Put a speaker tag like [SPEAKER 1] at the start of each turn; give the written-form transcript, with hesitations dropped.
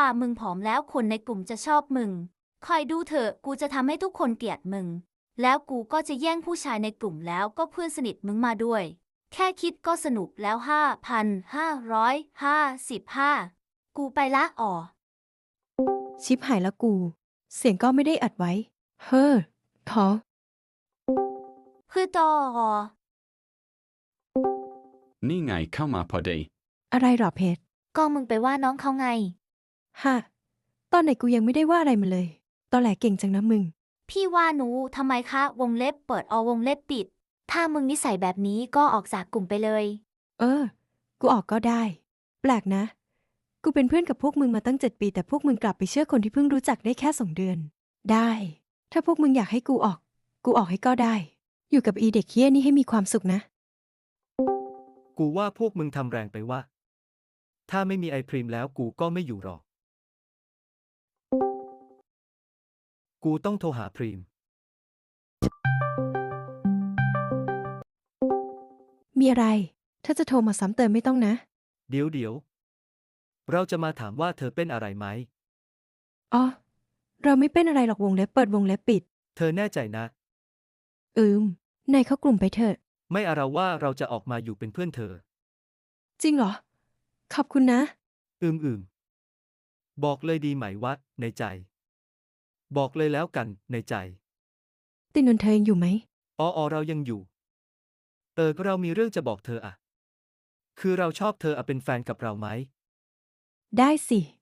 [SPEAKER 1] มึงผอมแล้วคนในกลุ่มจะชอบมึงคอยดูเถอะกูจะทำให้ทุกคนเกลียดมึงแล้วกูก็จะแย่งผู้ชายในกลุ่มแล้วก็เพื่อนสนิทมึงมาด้วยแค่คิดก็สนุกแล้ว5,555กูไปละอ๋อ
[SPEAKER 2] ชิบหายแล้วกู เสียงก็ไม่ได้อัดไว้ เฮ้อท้อ
[SPEAKER 1] คือต่ออ๋อ
[SPEAKER 3] นี่ไงเข้ามาพอดี
[SPEAKER 2] อะไรหรอเพชร
[SPEAKER 1] ก็มึงไปว่าน้องเขาไง
[SPEAKER 2] ฮะ ตอนไหนกูยังไม่ได้ว่าอะไรมาเลย ตอนแหลเก่งจังนะมึง
[SPEAKER 1] พี่ว่าหนูทำไมคะวงเล็บเปิดวงเล็บปิดถ้ามึงนิสัยแบบนี้ก็ออกจากกลุ่มไปเลย
[SPEAKER 2] เออ กูออกก็ได้ แปลกนะ กูเป็นเพื่อนกับพวกมึงมาตั้ง7 ปีแต่พวกมึงกลับไปเชื่อคนที่เพิ่งรู้จักได้แค่2 เดือน ได้ ถ้าพวกมึงอยากให้กูออก กูออกให้ก็ได้ อยู่กับอีเด็กเฮี้ยนี่ให้มีความสุขนะ
[SPEAKER 4] กูว่าพวกมึงทำแรงไปว่า ถ้าไม่มีไอพรีมแล้วกูก็ไม่อยู่หรอก กูต้องโทรหาพรีม
[SPEAKER 2] มีอะไร ถ้าจะโทรมาซ้ำเติมไม่ต้องนะ
[SPEAKER 4] เดี๋ยว เราจะมาถามว่าเธอเป็นอะไรไหม
[SPEAKER 2] อ๋อ เราไม่เป็นอะไรหรอกวงเล็บเปิดวงเล็บปิด
[SPEAKER 4] เธอแน่ใจนะ
[SPEAKER 2] นายเข้ากลุ่มไปเถอะ
[SPEAKER 4] ไม่เอาเราว่าเราจะออกมาอยู่เป็นเพื่อนเธอ
[SPEAKER 2] จริงเหรอ ขอบคุณนะ
[SPEAKER 4] อืม บอกเลยดีไหมวะในใจ บอกเลยแล้วกันในใจ
[SPEAKER 2] ตินนท์เธอยังอยู่ไหม
[SPEAKER 4] เรายังอยู่ เรามีเรื่องจะบอกเธออะ คือเราชอบเธออะเป็นแฟนกับเราไหม
[SPEAKER 2] ได้สิ